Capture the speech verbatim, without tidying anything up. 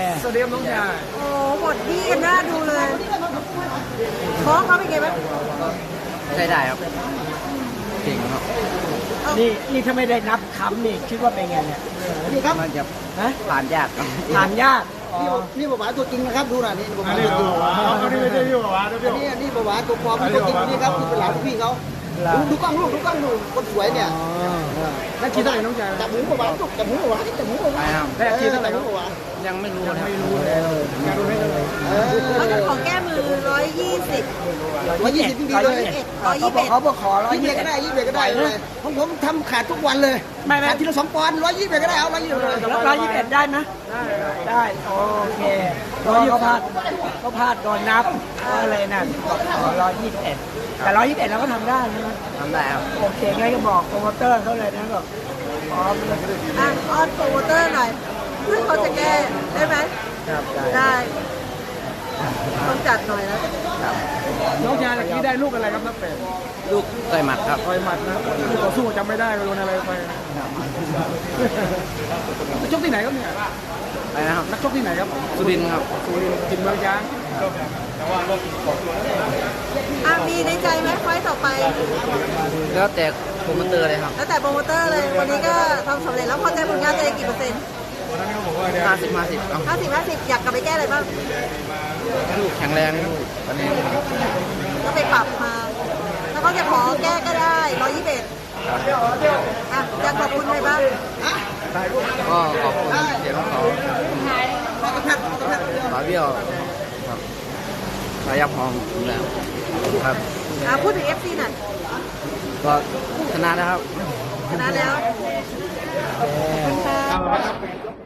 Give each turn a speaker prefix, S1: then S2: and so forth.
S1: สวัสดีครับน้องชาย
S2: โอ้หมดที่กันหน้าดูเลยท้องเขาเป็นไงบ้าง
S3: ใช้ได้ครับเก่งครับ
S1: นี่นี่ถ้าไม่ได้นับคำนี่คิดว่าเป็นไงเนี่ย
S4: นี่ครับ
S3: มันจะ
S1: ฮะ
S3: ผ่านยากครับ
S1: ผ่านยากอ๋อ
S4: นี่บาบาตัวจริงนะครับดูหน่อยนี่บาบา
S5: อันนี้
S4: ตัวจริง
S5: ตัวอันนี้ไม่ใช่พี่บอกว่านะพี่
S4: อันนี้อันนี้บาบาตัวปลอมตัวจริงนี่ครับคือเป็นหลานของพี่เขาดูดูกล้องลูกดูกล้องดูคนสวยเนี่ย
S1: นักกีฬาน้องชาย
S4: จับหมูบาบาลูกจับหมูบาบาจับหมูบา
S3: ไป
S4: บา
S3: ครับ
S1: ได้อาชีพเท่าไหร่ครับ
S4: บาบา
S3: ยังไม่รู้เลยครับ
S1: ไม่รู้เลยอยากรู้ได้เลย
S4: เออ
S2: เขาจะขอแก้มือร้อยยี่สิบ
S4: ร้อยยี่สิบพี่ดีเลย
S2: ร้อยยี่สิบเอ็ด
S1: เขาบอกขอร้อย
S4: ยี่
S1: ยี่
S4: สิบ
S1: สิ
S4: ก็
S1: บ
S4: ได้ยี่สิบก็ได้เลยของผมทำขาดทุกวันเลย
S1: ไม่ไม่
S4: ขาดทีละสองปอนด์ร้อยยี่สิบก็ได้เอาร้อยยี่สิบเลย
S1: ร้อยยี่สิบเอ็ดได้ไหมได้โอเคร้อยเขาพลาดเขาพลาดโดนนับก็เลยนั่นขอร้อยยี่สิบเอ็ดแต่ร้อยยี่สิบเอ็ดเราก็ทำได้ใช่ไหม
S3: ทำได้ครับ
S1: โอเคงั้นก็บอกโปรโมเตอร์เขาเลยนะบอกพร้อมเลย
S2: อ่ะออนโปรโมเตอร์หน่อยซึ่งเขาจะแก้ได้ไหม
S1: ครับได้
S2: ได้ต้องจัดหน่อยนะ
S1: น้องชายตะกี้ได้ลูกอะไรครับนักเตะ
S3: ลูกเคยหมัดครับ
S1: ต่อยหมัดนะคู่ต่อสู้จำไม่ได้ไปโดนอะไรไปนักชกที่ไหนครับเนี่ย
S3: ไปนะครับ
S1: นักชกที่ไหนครับ
S3: สุรินทร์ครับ
S1: สุรินทร์จินเมืองยาง
S2: อ่ะมีในใจไหมไฟต์ต่อไป
S3: แล้วแต่โปรโมเตอร์เลยครับ
S2: แล้วแต่โปรโมเตอร์เลยวันนี้ก็ทำสำเร็จแล้วพอใจผลงานตัวเองกี่เปอร์เซ็นต์
S3: ห้าสิบห้าสิบเอา
S2: ห้าสิบห้าสิบอยากกลับไปแก้อะไรบ้าง
S3: ลูกแข็งแรงลูกอันนี้
S2: ก็ไปปรับมาถ้าเขาจะขอแก้ก็ได้ร้อยยี่สิบเอ็ดอ่ะอยากขอบคุณใครบ้าง
S3: ก็ขอบคุณเสียงของเขาฝาเบี้ยวครับสายับหอมแล้วครับ
S2: อ่ะพูดถึง เอฟ ซี หน่อย
S3: ก็ชนะนะครับ
S2: ชนะแล้วขอบคุณค่ะ